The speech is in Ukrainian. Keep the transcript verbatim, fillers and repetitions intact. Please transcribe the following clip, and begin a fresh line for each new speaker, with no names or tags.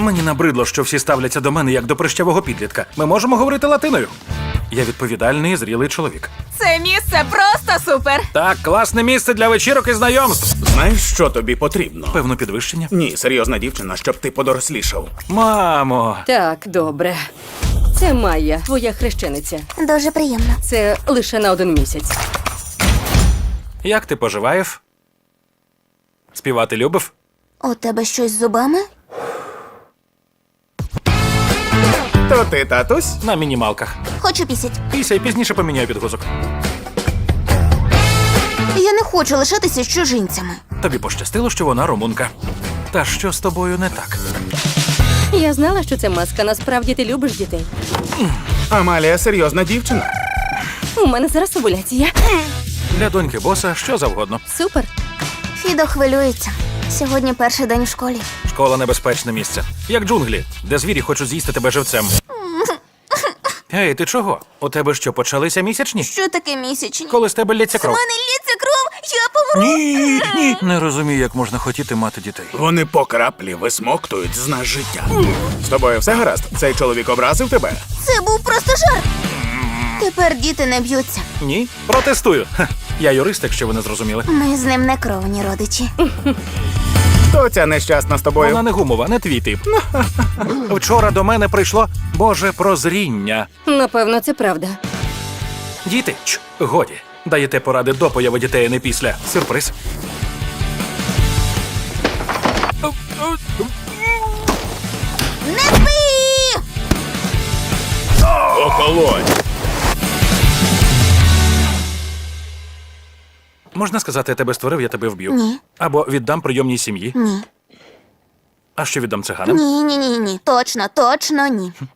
Мені набридло, що всі ставляться до мене як до прищавого підлітка. Ми можемо говорити латиною. Я відповідальний і зрілий чоловік.
Це місце просто супер!
Так, класне місце для вечірок і знайомств.
Знаєш, що тобі потрібно?
Певно, підвищення.
Ні, серйозна дівчина, щоб ти подорослішав.
Мамо,
Так, добре. Це Майя, твоя хрещениця.
Дуже приємно.
Це лише на один місяць.
як ти поживаєш? Співати любив?
У тебе щось з зубами?
То ти, татусь?
На мінімалках.
Хочу пісять.
Після і пізніше поміняю підгузок.
Я не хочу лишатися з чужинцями.
Тобі пощастило, що вона румунка. Та що з тобою не так?
Я знала, що це маска. Насправді ти любиш дітей.
Амалія серйозна дівчина.
У мене зараз овуляція.
Для доньки боса що завгодно.
Супер.
Фідо хвилюється. Сьогодні перший день у школі.
Школа — небезпечне місце. Як джунглі, де звірі хочуть з'їсти тебе живцем. Ей, ти чого? У тебе що, почалися місячні?
Що таке місячні?
Коли з тебе лється
У
кров?
мене лється кров, я помру.
Ні, ні. Не розумію, як можна хотіти мати дітей.
Вони по краплі висмоктують з нас життя. З тобою все гаразд? Цей чоловік образив тебе?
Це був просто жарт. Тепер діти не б'ються.
Ні? Протестую. Ха, я юрист, якщо ви не зрозуміли.
Ми з ним не кровні родичі.
То ця нещасна з тобою.
Вона не гумова, не твій тип. Вчора до мене прийшло Боже прозріння.
Напевно, це правда.
Діти, ч, годі. Даєте поради до появи дітей, а не після. Сюрприз.
Не спи!
Охолонь!
Можна сказати, я тебе створив, я тебе вб'ю.
Ні.
Або віддам прийомній сім'ї.
Ні.
А що віддам циганам?
Ні, ні, ні, ні. Точно, точно ні.